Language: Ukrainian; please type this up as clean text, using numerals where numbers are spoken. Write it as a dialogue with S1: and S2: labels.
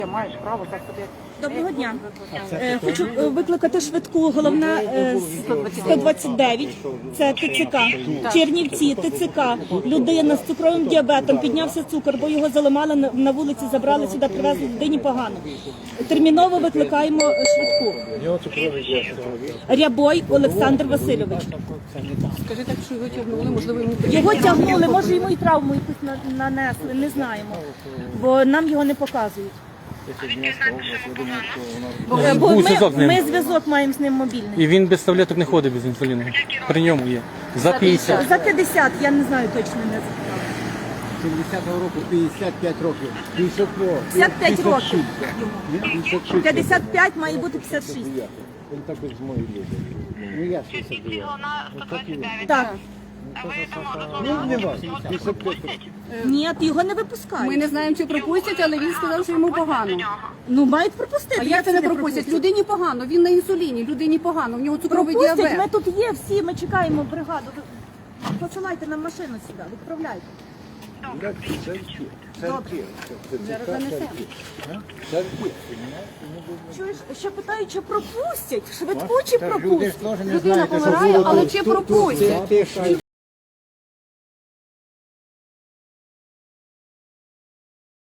S1: Маєш право так собі.
S2: Доброго дня. Хочу викликати швидку. Головна 129. Це ТЦК. Чернівці, ТЦК. Людина з цукровим діабетом. Піднявся цукор, бо його заламали на вулиці, забрали сюди, привезли людині погано. Терміново викликаємо швидку. Рябой Олександр Васильович.
S1: Скажи так, що його тягнули, можливо, йому
S2: Його тягнули, може йому і травму якусь нанесли, не знаємо. Бо нам його не показують. Бо ми зв'язок маємо з ним мобільний.
S3: І він без таблеток не ходить без інсуліну. При ньому є. За 50.
S2: За 50, я не знаю точно, не запитала.
S4: 70-го року 55 років.
S2: 55 років йому. 55 має бути 56.
S4: Він також з моєї люди. Ну я 69.
S2: Так.
S4: Ну не важко. 55 років.
S2: Ні, його не
S1: Ми
S2: випускають.
S1: не знаємо, чи пропустять, але він сказав, що йому погано.
S2: Ну, мають пропустити.
S1: А як це не пропустять? Людині погано, він на інсуліні, людині погано, в нього цукровий
S2: Пропустять,
S1: діабет.
S2: ми тут є всі, ми чекаємо бригаду. Посилайте нам машину сюди, відправляйте.
S1: Зараз занесемо.
S2: Чуєш, ще питають, чи пропустять? Швидку чи пропустять?
S1: Людина помирає, але чи пропустять?